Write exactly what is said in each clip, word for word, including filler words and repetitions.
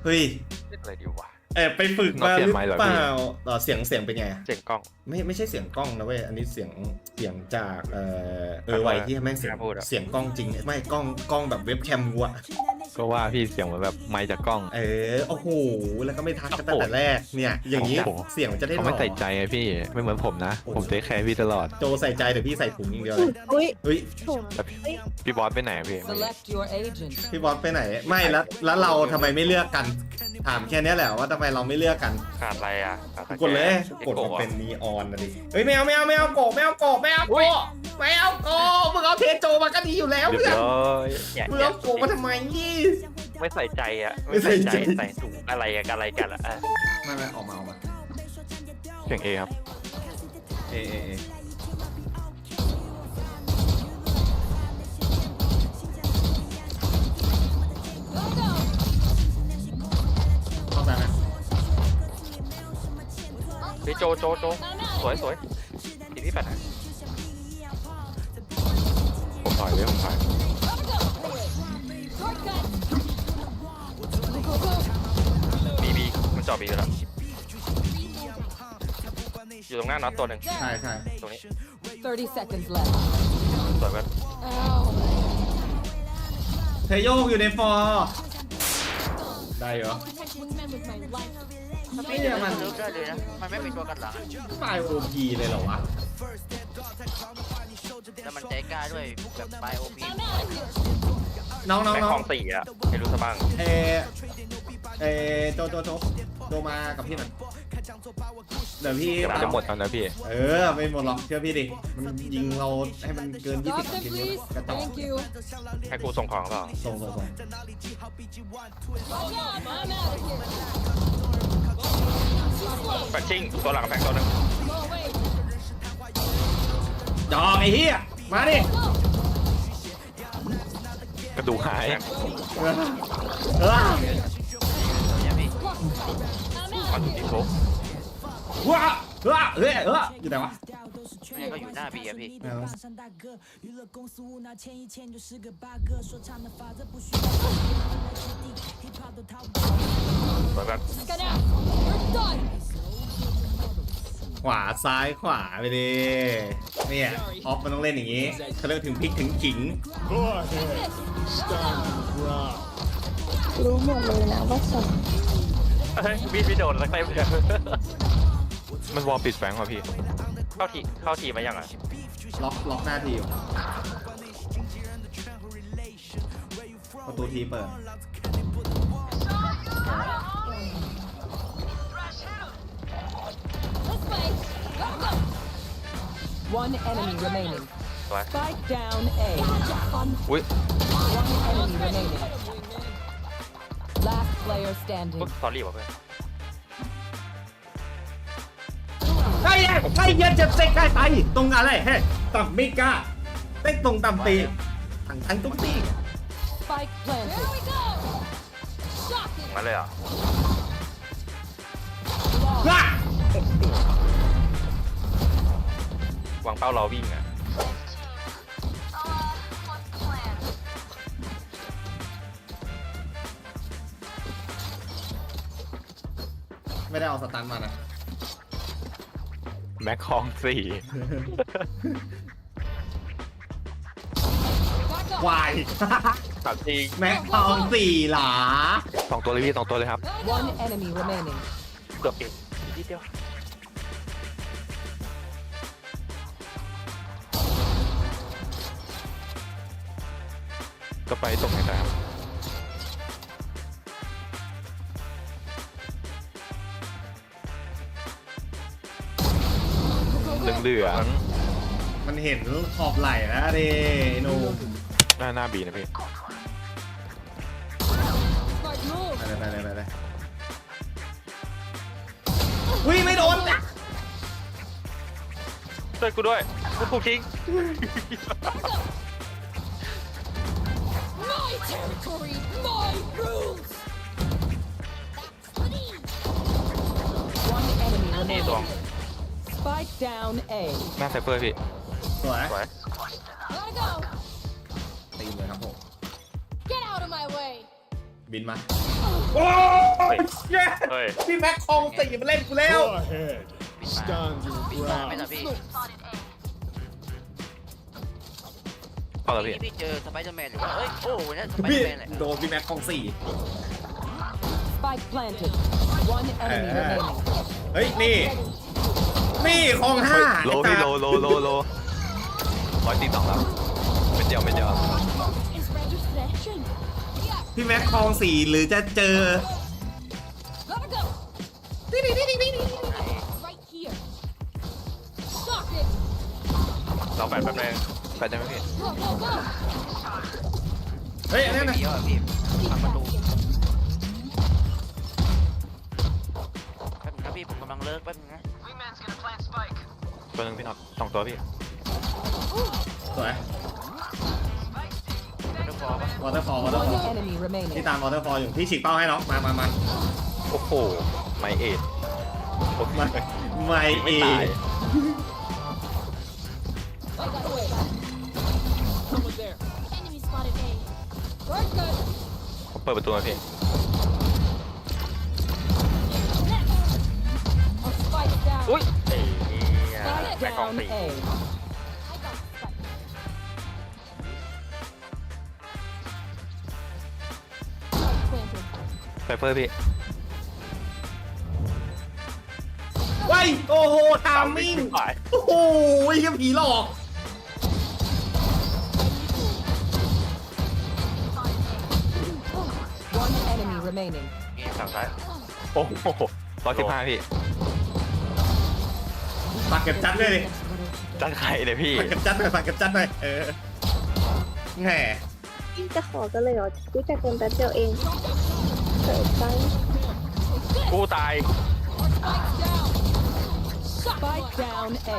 เฮ้ยเล่นอะไรดีวะแอบไปฝึกมาหรือเปล่าต่อเสียงเสียงเป็นไงเสียงกล้องไม่ไม่ใช่เสียงกล้องนะเว้ยอันนี้เสียงเสียงจากเออเออไวที่แม่งเสียงเสียงกล้องจริงไม่กล้องกล้องแบบเว็บแคมวัวก็ว่าพี่เสียงเหมือนแบบไมค์จากกล้องเออโอ้โหแล้วก็ไม่ทักกันตั้งแต่แรกเนี่ยอย่างนี้เสียงมันจะได้หล่อเขาไม่ใส่ใจไงพี่ไม่เหมือนผมนะผมเทคแคร์พี่ตลอดโจใส่ใจแต่พี่ใส่ถุงอย่างเดียวเลยอุ้ยเฮ้ยพี่บอสไปไหนพี่พี่บอสไปไหนไม่แล้วแล้วเราทำไมไม่เลือกกันถามแค่นี้แหละว่าทำไมเราไม่เลือกกันขาดอะไรอ่ะกดเลยกดมันเป็นนีออนนะดิเฮ้ยไม่เอาไม่เอาไม่เอาโกไม่เอาโกไม่เอาโกไม่เอาโกมึงเอาเทโจมาก็ดีอยู่แล้วเพื่อนมึงเอาโกมาทำไมนี่ไม่ใส่ใจอ่ะไม่ใส่ใจใส่ถุงอะไรกันอะไรกันอ่ะไม่ไม่ออกมาออกมาเสียงเอครับเอเอเอเข้าใจไหมพี่โจโจโจสวยสวยทีที่แปดนะผมถอยเลยผมถอยบีบีมันจอดบีอยู่แล้วอยู่ตรงหน้าน็อตตัวหนึ่งใช่ใช่ตรงนี้ thirty seconds left สวยเว้ยเทโยกอยู่ในฟอร์ได้เหรอไม่เนี่ยมันลุกได้เลยนะมันไม่เป็นตัวกันหลังไฟโอพีเลยเหรอวะแล้วมันใจกล้าด้วยแบบไฟโอพีน้องน้องน้องคลองสี่อ่ะให้รู้ซะบ้างเอเอโจโจโจโจมากับพี่หน่อยเดี๋ยวพี่จะหมดแล้วนะพี่เออไม่หมดหรอกเชื่อพี่ดิมันยิงเราให้มันเกินยี่สิบทีนี้กระจอกให้กูส่งของเปล่าส่งส่งส่งแฟกชิ่งตัวหลังแฟกตัวนึงจอกไอ้เหี้ยมาดิกระดูกหายเออเออมาดูที่โฟกว้าว้าเฮ้ยเอออยู่ไหนวะนี่ก็อยู่หน้าบีอะพี่สวยแบบขวาซ้ายขวาไปดิเนี่ยออฟมันต้องเล่นอย่างนี้เขาเรียกถึงพลิกถึงขิงรู้หมดเลยนะว่าส่งเฮ้ยบีไม่โดนสักเต็มเลยมันวอลปิดแฝงว่ะพี่เข้าทีเข้าทีมายังอ่ะล็อกล็อกหน้าทีอยู่ประตูทีเปิด One enemy remaining. Spike down A. อุ้ย One enemy remaining. Last player standing. สอรี่ว่ะเพื่อนไอ้ไอ้ยันจะเซ็กได้ไปตรงอะไรเฮ้ต่ำไม่กล้าเต้นตรงต่ำตีทั้งทั้งตุ้งตี Spike planted. มาเลยอ่ะวางเป้ารอวิ่งอ่ะไม่ได้เอาสตันมานะแม็กคองสี่วายถามจริงแม็กคองสี่หลาสองตัวเลยพี่สองตัวเลยครับ One enemy remaining. เกือบอีกนิดเดียวก็ไปตรงไหนครับเหลืองๆมันเห็นขอบไหล่แล้วดิโนหน้าหน้าบีนะพี่ไปเลยไปเลยไปเลยวิ่งไม่โดนนะช่วยกูด้วยกูถูกทิ้งนี่ตัว Spike down A. หน้าไซเฟอร์พี่สวยสวยตีเลยครับผมบินมาเย้เฮ้ยพี่แม็กคองสี่มาเล่นกูแล้ว Go ahead. Stand your ปิดมาไม่ ground. นะพี่เข้าแล้วพี่พี่เจอสไปเดอร์แมนหรือว่าเอ้ยโอ้โหเนี่ยสไปเดพี่อร์แมนแหละโดนพี่แม็กคองสี่ Spike planted. One enemy Uh, remaining. เฮ้ยนี่นี่คองห้าโลพี่โลโลโลโลร้อยตีสองแล้วไม่เดียวไม่เดียวพี่แม็กคองสี่หรือจะเจอ Gotta go. Right here. Stop it. เราแปดแป๊บนึงไปได้ไหมพี่ Go go go. เฮ้ยอันนั้นไม่นะมีอ่ะพี่ทำประตูแป๊บนึงนะพี่ผมกำลังเลิกแป๊บนึงนะตัวหนึงพี่น็อตสองตัวพี่สวยไม่ต้องฟอร์ปะวอเตอร์ฟอลวอเตอร์ฟอ One ล enemy ที่ remaining. ตามวอเตอร์ฟอลอยู่พี่ฉีกเป้าให้น้องมามามาโอ้โหไม่เอ็ดโอ้โหมาไม่เอไม่ตาย Enemy spotted A. Very good. ผมเปิดประตูมาพี่ Spike down. อุ้ยไอ้เหี้ย Spike แม่กอง down สี่ A. Spike planted. ไซเฟอร์พี่ไว้โอ้โหทามมิ่งไปโอ้โหยังผีหลอก One enemy remaining. นี่ฝั่งซ้ายโอ้โหร้อยสิบห้าพี่ฝากเก็บจัดด้วยดิจัดไข่เลยพี่ฝากเก็บจัดหน่อยฝากเก็บจัดหน่อยเออแหมพี่จะขอกันเลยเหรอรู้จักกันแป๊บเดียวเองเกิดไปกูตาย Spike down A.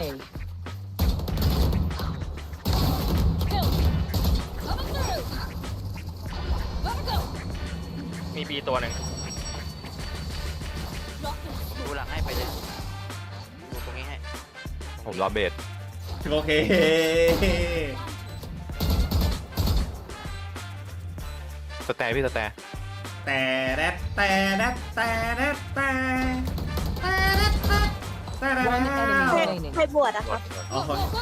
มีบีตัวหนึ่งดูหลังให้ไปเลยดูตรงนี้ให้ผมรอเบสโอเคสแตนพี่สแตนแต่แรดแต่แรดแต่แรดแต่แต่แรดแต่แรด One แต่ enemy ใคร remaining. ใครบวชอะคะอ๋อ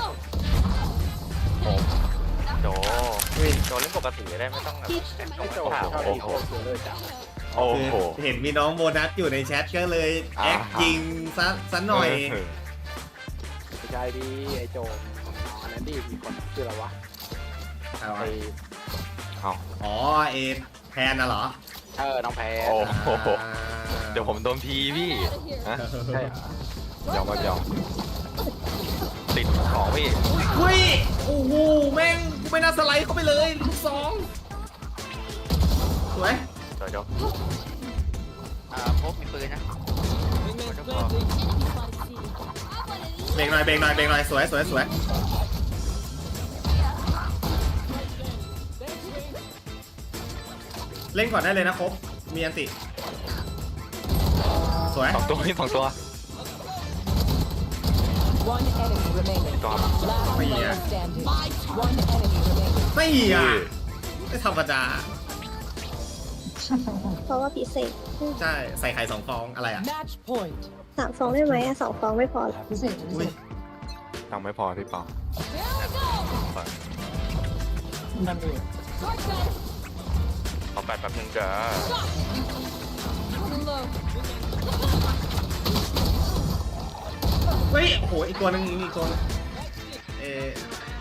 โจโจเล่นปกติได้ไม่ต้องแบบแอบต้องโอ้โหโอ้โหคือเห็นมีน้องโบนัสอยู่ในแชทก็เลยอ่าแอคจริงซะซะหน่อยเไม่ใช่ดิไอโจมอันนั้นดิมีคนชื่ออะไรวะเอาไอเอาอ๋อเอแพนน่ะเหรอเออน้องแพรโอ้โหอ่าเดี๋ยวผมโดนพีพี่ฮะใช่เหรอยอมครับยอมติดของพี่เฮ้ยโอ้โหแม่งกูไม่น่าสไลด์เข้าไปเลยลูกสองสวยโจโจอ่าพบมีปืนนะเบรกหน่อยเบรกหน่อยเบรกหน่อยสวยสวยสวยเล่นก่อนได้เลยนะครบมีอันติสวยสองตัวพี่สองตัว One enemy remaining. ตัว Last player standing. One enemy remaining. ไม่อ่ะไม่ธรรมดาเพราะว่าพิเศษใช่ใส่ไข่สองฟองอะไรอ่ะ Match point. สามฟองได้ไหมอะสองฟองไม่พอหรออุ้ยตังค์ไม่พอพี่เปาขอแปดแป๊บนึงเด้อเฮ้ยโอ้โหอีกตัวหนึงอีกตัวหนึงเออ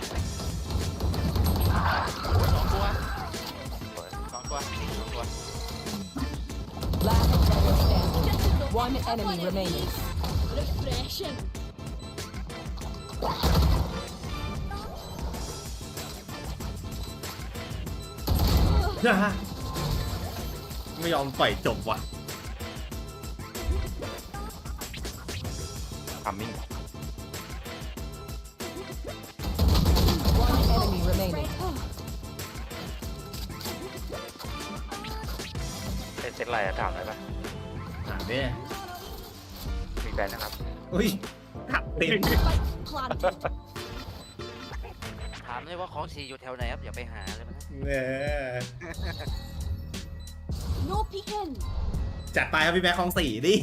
สองตัวสองตัวสองตัว Last player standing. One enemy remaining. ไม่ยอมปล่อยจบว่ะทำมิ่ง One enemy remaining. เป็นเซตอะไรอะถามได้ปะถามเนี่ยมีแบนนะครับอุ้ยขับติดถามเลยว่าของสีอยู่แถวไหนครับอย่าไปหาเลยมันนะเนี่ย No peeking. จัดไปครับพี่แม็กคลองสี่ดิ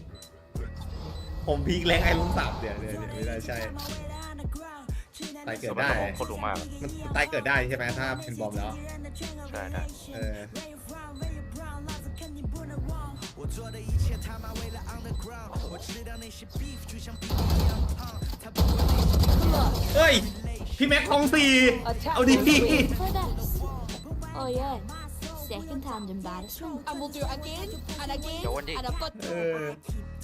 ผมพีคแรงไอ้ลุงสับเดี๋ยวเดี๋ยวไม่ได้ใช่ตายเกิดได้โคตรรู้มากมันตายเกิดได้ใช่ไหมถ้าเป็นบอมแล้วใช่ได้เออเฮ้ย พี่แม็กคลองสี่เอาดี For this. Oh yeah. Second hand embarrassment. And we'll do it again and again. Go on, Dick. And I've got เออ